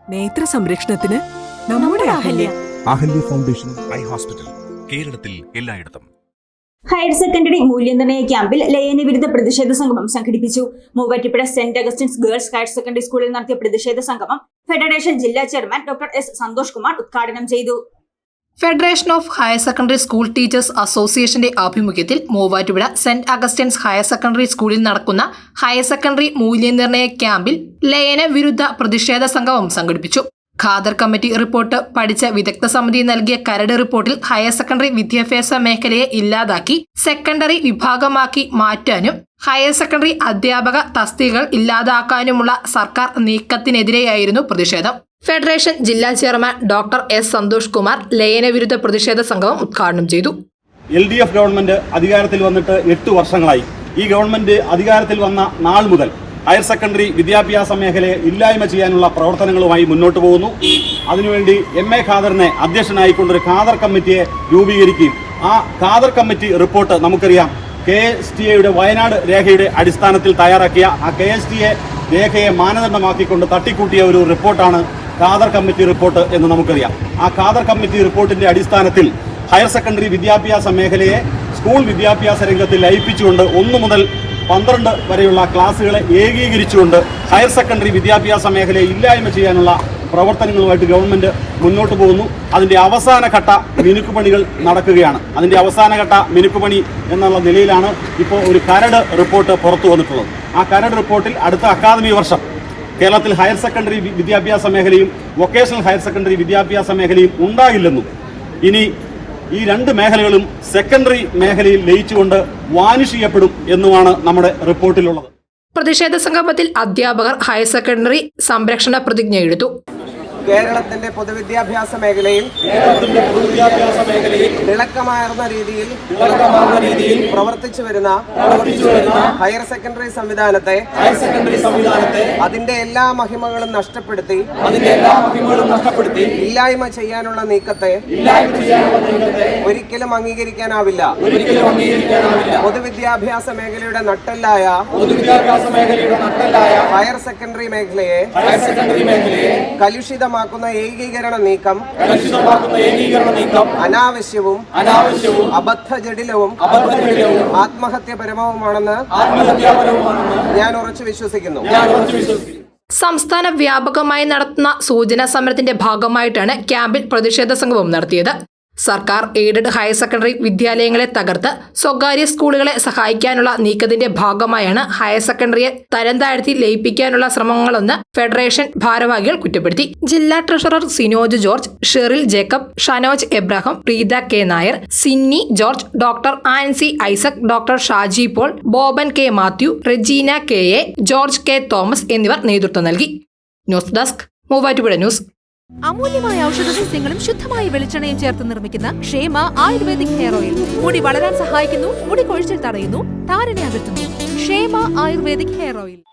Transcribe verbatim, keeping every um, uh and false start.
നേത്ര സംരക്ഷണത്തിന് നമ്മുടെ Ahalya. Ahalya foundation eye hospital, കേരളത്തിൽ എല്ലായിടത്തും. ഹയർ സെക്കൻഡറി മൂല്യനിർണ്ണയ ക്യാമ്പിൽ ലയന വിരുദ്ധ പ്രതിഷേധ സംഗമം സംഘടിപ്പിച്ചു. മൂവാറ്റുപുഴ സെന്റ് അഗസ്റ്റിൻസ് ഗേൾസ് ഹയർ സെക്കൻഡറി സ്കൂളിൽ നടത്തിയ പ്രതിഷേധ സംഗമം ഫെഡറേഷൻ ജില്ലാ chairman doctor S Santhosh Kumar ഉദ്ഘാടനം ചെയ്തു. Federation of higher secondary school teachers അസോസിയേഷന്റെ ആഭിമുഖ്യത്തിൽ മൂവാറ്റുപുഴ സെന്റ് അഗസ്റ്റിൻസ് ഹയർ സെക്കൻഡറി സ്കൂളിൽ നടക്കുന്ന ഹയർ സെക്കൻഡറി മൂല്യനിർണ്ണയ ക്യാമ്പിൽ ലയന വിരുദ്ധ പ്രതിഷേധ സംഗമം സംഘടിപ്പിച്ചു. ഖാദർ കമ്മിറ്റി റിപ്പോർട്ട് പഠിച്ച വിദഗ്ധ സമിതി നൽകിയ കരട് റിപ്പോർട്ടിൽ ഹയർ സെക്കൻഡറി വിദ്യാഭ്യാസ മേഖലയെ ഇല്ലാതാക്കി സെക്കൻഡറി വിഭാഗമാക്കി മാറ്റാനും ഹയർ സെക്കൻഡറി അധ്യാപക തസ്തികകൾ ഇല്ലാതാക്കാനുമുള്ള സർക്കാർ നീക്കത്തിനെതിരെയായിരുന്നു പ്രതിഷേധം. ഫെഡറേഷൻ ജില്ലാ chairman doctor S Santhosh Kumar ലയന വിരുദ്ധ പ്രതിഷേധ സംഗമം ഉദ്ഘാടനം ചെയ്തു. എൽ ഡി എഫ് ഗവൺമെന്റ് അധികാരത്തിൽ വന്നിട്ട് എട്ട് വർഷങ്ങളായി. ഈ ഗവൺമെന്റ് അധികാരത്തിൽ വന്ന നാൾ മുതൽ ഹയർ സെക്കൻഡറി വിദ്യാഭ്യാസ മേഖലയെ ഇല്ലായ്മ ചെയ്യാനുള്ള പ്രവർത്തനങ്ങളുമായി മുന്നോട്ട് പോകുന്നു. അതിനുവേണ്ടി എം എ ഖാദറിനെ അധ്യക്ഷനായിക്കൊണ്ടൊരു ഖാദർ കമ്മിറ്റിയെ രൂപീകരിക്കുകയും ആ ഖാദർ കമ്മിറ്റി റിപ്പോർട്ട് നമുക്കറിയാം കെ എസ് ടി എയുടെ വയനാട് രേഖയുടെ അടിസ്ഥാനത്തിൽ തയ്യാറാക്കിയ ആ കെ എസ് ടി എ രേഖയെ മാനദണ്ഡമാക്കിക്കൊണ്ട് തട്ടിക്കൂട്ടിയ ഒരു റിപ്പോർട്ടാണ് ഖാദർ കമ്മിറ്റി റിപ്പോർട്ട് എന്ന് നമുക്കറിയാം. ആ ഖാദർ കമ്മിറ്റി റിപ്പോർട്ടിന്റെ അടിസ്ഥാനത്തിൽ ഹയർ സെക്കൻഡറി വിദ്യാഭ്യാസ മേഖലയെ സ്കൂൾ വിദ്യാഭ്യാസ രംഗത്തിൽ ലയിപ്പിച്ചുകൊണ്ട് ഒന്നു മുതൽ പന്ത്രണ്ട് വരെയുള്ള ക്ലാസ്സുകളെ ഏകീകരിച്ചുകൊണ്ട് ഹയർ സെക്കൻഡറി വിദ്യാഭ്യാസ മേഖലയെ ഇല്ലായ്മ ചെയ്യാനുള്ള പ്രവർത്തനങ്ങളുമായിട്ട് ഗവൺമെന്റ് മുന്നോട്ട് പോകുന്നു. അതിന്റെ അവസാനഘട്ട മിനുക്കുപണികൾ നടക്കുകയാണ്. അതിന്റെ അവസാനഘട്ട മിനുക്കുപണി എന്നുള്ള നിലയിലാണ് ഇപ്പോൾ ഒരു കരട് റിപ്പോർട്ട് പുറത്തു വന്നിട്ടുള്ളത്. ആ കരട് റിപ്പോർട്ടിൽ അടുത്ത അക്കാദമി വർഷം കേരളത്തിൽ ഹയർ സെക്കൻഡറി വിദ്യാഭ്യാസ മേഖലയും വൊക്കേഷണൽ ഹയർ സെക്കൻഡറി വിദ്യാഭ്യാസ മേഖലയും ഉണ്ടാകില്ലെന്നും ഇനി ഈ രണ്ട് മേഖലകളും സെക്കൻഡറി മേഖലയിൽ ലയിച്ചുകൊണ്ട് വാനിഷ് ചെയ്യപ്പെടും എന്നുമാണ് നമ്മുടെ റിപ്പോർട്ടിലുള്ളത്. പ്രതിഷേധ സംഗമത്തിൽ അധ്യാപകർ ഹയർ സെക്കൻഡറി സംരക്ഷണ പ്രതിജ്ഞ എടുത്തു. കേരളത്തിന്റെ പൊതുവിദ്യാഭ്യാസ മേഖലയിൽ തിളക്കമാർന്ന രീതിയിൽ പ്രവർത്തിച്ചു വരുന്ന ഹയർ സെക്കൻഡറി സംവിധാനത്തെ അതിന്റെ എല്ലാ മഹിമകളും നഷ്ടപ്പെടുത്തി ഇല്ലായ്മ ചെയ്യാനുള്ള നീക്കത്തെ ഒരിക്കലും അംഗീകരിക്കാനാവില്ല. പൊതുവിദ്യാഭ്യാസ മേഖലയുടെ നട്ടെല്ലായ ഹയർ സെക്കൻഡറി മേഖലയെ കലുഷിത ഏകീകരണ നീക്കം അനാവശ്യവും അബദ്ധജടിലവും ആത്മഹത്യപരവുമാണെന്ന് ഞാൻ ഉറച്ചു വിശ്വസിക്കുന്നു. സംസ്ഥാന വ്യാപകമായി നടത്തുന്ന സൂചനാ സമരത്തിന്റെ ഭാഗമായിട്ടാണ് ക്യാമ്പിൽ പ്രതിഷേധ സംഗമം നടത്തിയത്. സർക്കാർ എയ്ഡഡ് ഹയർ സെക്കൻഡറി വിദ്യാലയങ്ങളെ തകർത്ത് സ്വകാര്യ സ്കൂളുകളെ സഹായിക്കാനുള്ള നീക്കത്തിന്റെ ഭാഗമായാണ് ഹയർ സെക്കൻഡറിയെ തരം താഴ്ത്തി ലയിപ്പിക്കാനുള്ള ശ്രമങ്ങളെന്ന് ഫെഡറേഷൻ ഭാരവാഹികൾ കുറ്റപ്പെടുത്തി. ജില്ലാ treasurer Sinoj George, Sheryl Jacob, Shanoj Abraham, Preetha K Nair, Sinny George, doctor Ancy Isaac, doctor Shaji Paul, Boban K Mathew, Regina K A, George K Thomas എന്നിവർ നേതൃത്വം നൽകി. News desk Muvattupuzha news. അമൂല്യമായ ഔഷധ സസ്യങ്ങളും ശുദ്ധമായ വെളിച്ചെണ്ണയും ചേർത്ത് നിർമ്മിക്കുന്ന ക്ഷേമ ആയുർവേദിക് ഹെയർ ഓയിൽ മുടി വളരാൻ സഹായിക്കുന്നു, മുടി കൊഴിച്ചിൽ തടയുന്നു, താരനെ അകറ്റുന്നു. ക്ഷേമ ആയുർവേദിക് ഹെയർ ഓയിൽ.